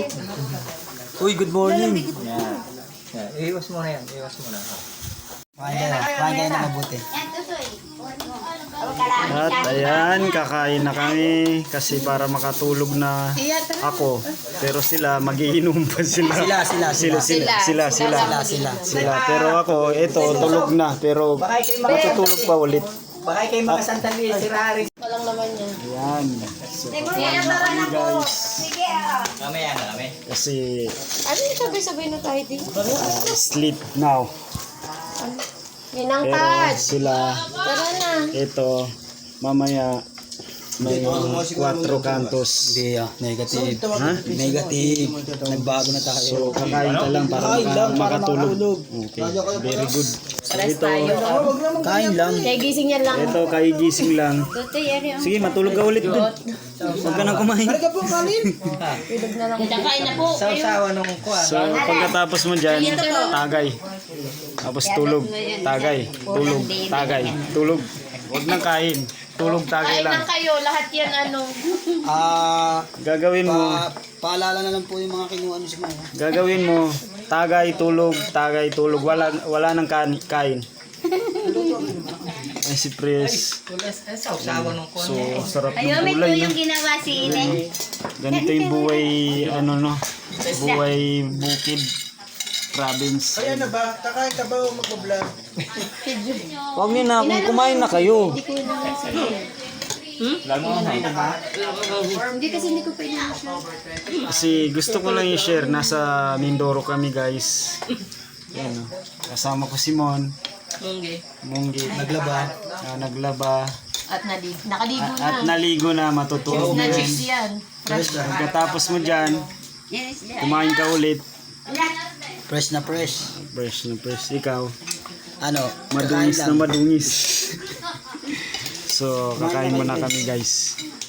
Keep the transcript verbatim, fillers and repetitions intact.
Uy, good morning. Yan. Yan. Iwas mo na yan. Iwas mo na. Kain kayo. Kain kayo na mabuti. At ayan, kakain na kami kasi para makatulog na ako. Pero sila, magiinom pa sila. Sila, sila, sila, sila, sila, sila, sila, sila. Pero ako, ito, tulog na. Pero matutulog pa ulit. Baka kayo mga sandali, si Rari. Walang naman niya. Ayan. So, kakain na kami guys. Kami yan, kami. Kasi, Ano yung sabay-sabay na tayo dito? uh, sleep now. Ninang Pero Pat! sila, Tara na! ito, mamaya, may quattro cantos. Hindi ah, negative. Ha? Negative. Nagbago na tayo. So, kakain ka lang para maka- makatulog. Okay, very good. So, ito, kain lang. Kaya gising yan lang. Ito, kaigising lang. Sige, matulog ka ulit dun. Huwag ka nang kumain. Tulog na lang. Kain na po. Sausawa nung kuha. So, pagkatapos mo dyan, tagay. Tapos tulog, tagay, tulog, tagay, tulog. Huwag nang kain. Tulog, tagay Kain lang. lang kayo. Lahat yan ano. Ah, Gagawin mo, pa, paalala na lang po yung mga kinuha niyo sa mga. gagawin mo, tagay, tulog, tagay, tulog. Wala, wala nang kain. kain. Ay, si Pres. Sausawa nung kuha. So, sarap ng Ayun, may gulay, no? yung ginawa si Ine. Ganito yung buhay, ano, no? Buhay bukid province. Ayan na ba? Kakain ka ba o mag-vlog? Huwag niyo na, kung kumain na kayo. Hindi kasi hindi ko pwede na siya. Kasi gusto ko lang i-share, nasa Mindoro kami guys. Ayan, no? Kasama ko si Mon. Munggi. Munggi. Naglaba. Ah, naglaba. At naligo. Nakaligo na. At naligo na, matutulog na rin. Na-chicks yan. Pagkatapos mo dyan, kumain ka ulit. Fresh na fresh. Fresh na fresh. Ikaw, Ano? madungis kakain na lang. madungis. So, kakain muna kami guys.